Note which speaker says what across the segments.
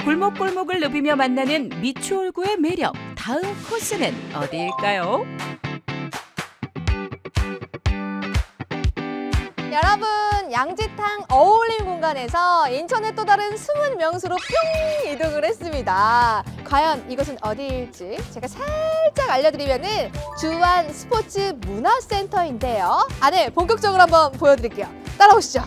Speaker 1: 골목골목을 누비며 만나는 미추홀구의 매력. 다음 코스는 어디일까요?
Speaker 2: 여러분, 양지탕 어울림 공간에서 인천의 또 다른 숨은 명소로 뿅 이동을 했습니다. 과연 이것은 어디일지 제가 살짝 알려드리면은 주안 스포츠 문화센터인데요. 안에 본격적으로 한번 보여드릴게요. 따라오시죠.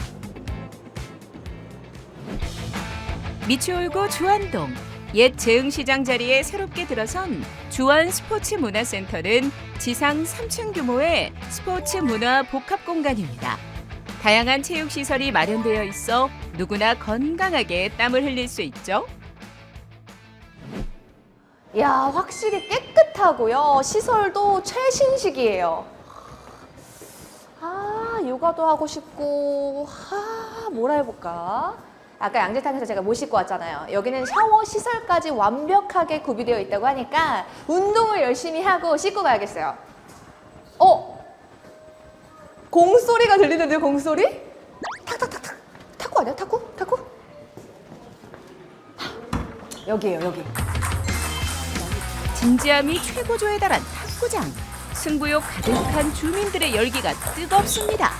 Speaker 1: 미추홀구 주안동. 옛 재흥시장 자리에 새롭게 들어선 주안 스포츠 문화센터는 지상 3층 규모의 스포츠 문화 복합 공간입니다. 다양한 체육시설이 마련되어 있어 누구나 건강하게 땀을 흘릴 수 있죠.
Speaker 2: 이야, 확실히 깨끗하고요. 시설도 최신식이에요. 요가도 하고 싶고, 뭐라 해볼까? 아까 양지탕에서 제가 못 씻고 왔잖아요. 여기는 샤워 시설까지 완벽하게 구비되어 있다고 하니까 운동을 열심히 하고 씻고 가야겠어요. 공소리가 들리는데요, 공소리? 탁탁탁탁. 탁구 아니야? 탁구? 탁구? 여기에요, 여기.
Speaker 1: 진지함이 최고조에 달한 탁구장. 승부욕 가득한 주민들의 열기가 뜨겁습니다.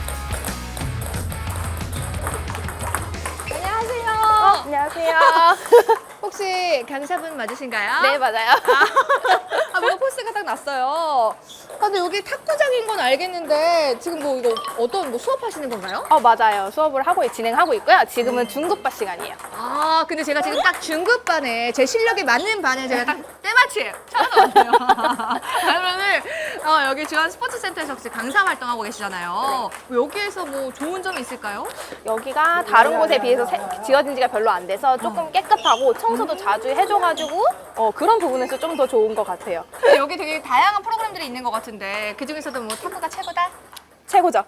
Speaker 2: 안녕하세요.
Speaker 3: 안녕하세요.
Speaker 2: 혹시 강사분 맞으신가요?
Speaker 3: 네, 맞아요.
Speaker 2: 뭔가 포스가 딱 났어요. 근데 여기 탁구장인 건 알겠는데 지금 뭐 이거 어떤 뭐 수업하시는 건가요?
Speaker 3: 맞아요. 수업을 진행하고 있고요. 지금은 중급반 시간이에요.
Speaker 2: 근데 제가 지금 딱 중급반에 제 실력에 맞는 반에 제가 딱 때마침 찾아왔어요. 그러면은 여기 주안 스포츠센터에서 혹시 강사 활동하고 계시잖아요. 여기에서 뭐 좋은 점이 있을까요?
Speaker 3: 여기가 다른 곳에 비해서 지어진 지가 별로 안 돼서 조금 깨끗하고 청소도 자주 해줘가지고 그런 부분에서 좀 더 좋은 것 같아요.
Speaker 2: 여기 되게 다양한 프로그램들이 있는 것 같은데 그 중에서도 뭐 탁구가 최고다?
Speaker 3: 최고죠.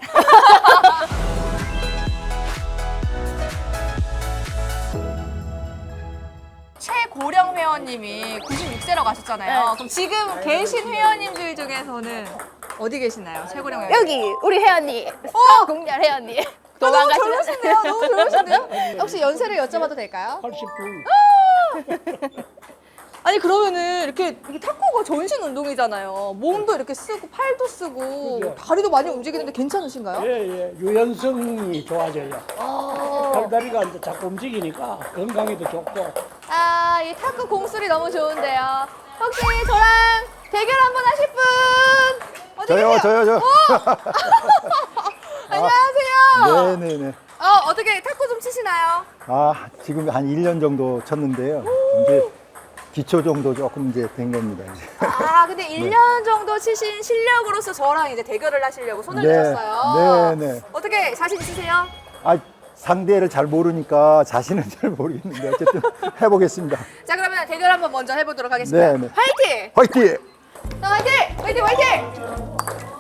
Speaker 2: 최고령 회원님이 96세라고 하셨잖아요.
Speaker 3: 네.
Speaker 2: 그럼 지금 계신 회원님들 중에서는 어디 계시나요? 최고령 회원님.
Speaker 3: 여기 우리 회원님, 공렬 회원님.
Speaker 2: 너무
Speaker 3: 도망가시는
Speaker 2: 젊으신데요? 너무 젊으신데요? 혹시 연세를 여쭤봐도 될까요?
Speaker 4: 89.
Speaker 2: 아니 그러면은 이렇게 탁구가 전신 운동이잖아요. 몸도 이렇게 쓰고 팔도 쓰고
Speaker 4: 그죠.
Speaker 2: 다리도 많이 움직이는데 괜찮으신가요?
Speaker 4: 예, 유연성이 좋아져요. 팔다리가 이제 자꾸 움직이니까 건강에도 좋고.
Speaker 2: 이 탁구 공술이 너무 좋은데요. 혹시 저랑 대결 한번 하실 분? 어디 계세요?
Speaker 5: 저요.
Speaker 2: 안녕하세요.
Speaker 5: 네네네.
Speaker 2: 어떻게 탁구 좀 치시나요?
Speaker 5: 지금 한 1년 정도 쳤는데요. 이제 기초 정도 조금 이제 된 겁니다. 이제.
Speaker 2: 근데 1년 정도 치신 실력으로서 저랑 이제 대결을 하시려고 손을 드셨어요.
Speaker 5: 네네.
Speaker 2: 어떻게 자신 있으세요?
Speaker 5: 상대를 잘 모르니까 자신은 잘 모르겠는데 어쨌든 해보겠습니다.
Speaker 2: 자, 그러면 대결 한번 먼저 해보도록 하겠습니다.
Speaker 5: 네네.
Speaker 2: 화이팅!
Speaker 5: 화이팅!
Speaker 2: 자, 화이팅!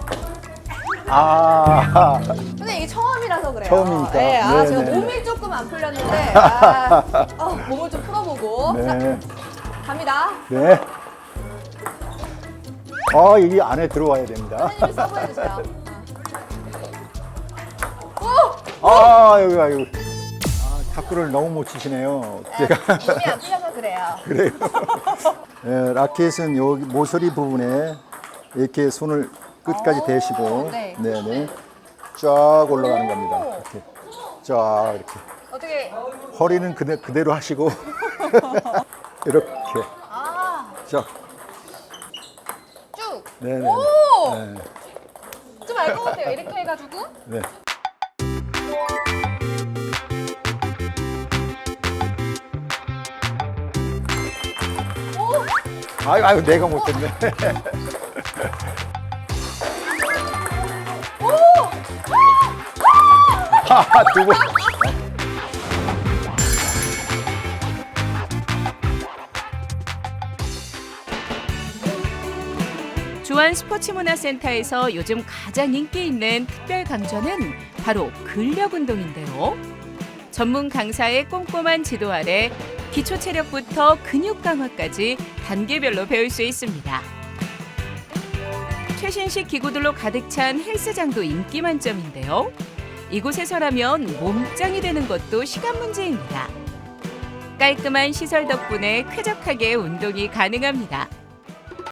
Speaker 2: 근데 이게 처음이라서 그래요.
Speaker 5: 처음이니까.
Speaker 2: 네, 제가
Speaker 5: 네네.
Speaker 2: 몸이 조금 안 풀렸는데 몸을 좀 풀어보고
Speaker 5: 네.
Speaker 2: 자, 갑니다.
Speaker 5: 네. 여기 안에 들어와야 됩니다.
Speaker 2: 선생님이 서브해주세요.
Speaker 5: 여기. 탁구를 너무 못 치시네요. 제가.
Speaker 2: 몸이 안 풀려서 그래요.
Speaker 5: 그래요. 네, 라켓은 여기 모서리 부분에 이렇게 손을 끝까지 대시고,
Speaker 2: 네.
Speaker 5: 네네, 쫙 올라가는 겁니다. 이렇게 쫙 이렇게.
Speaker 2: 어떻게?
Speaker 5: 허리는 그대로 하시고 이렇게 쫙.
Speaker 2: 쭉.
Speaker 5: 네네.
Speaker 2: 오!
Speaker 5: 네.
Speaker 2: 좀 알 것 같아요. 이렇게 해가지고.
Speaker 5: 네. 아유, 내가 못했네. 두 번.
Speaker 1: 주안 스포츠문화센터에서 요즘 가장 인기 있는 특별 강좌는 바로 근력 운동인데요. 전문 강사의 꼼꼼한 지도 아래 기초 체력부터 근육 강화까지 단계별로 배울 수 있습니다. 최신식 기구들로 가득 찬 헬스장도 인기 만점인데요. 이곳에서라면 몸짱이 되는 것도 시간 문제입니다. 깔끔한 시설 덕분에 쾌적하게 운동이 가능합니다.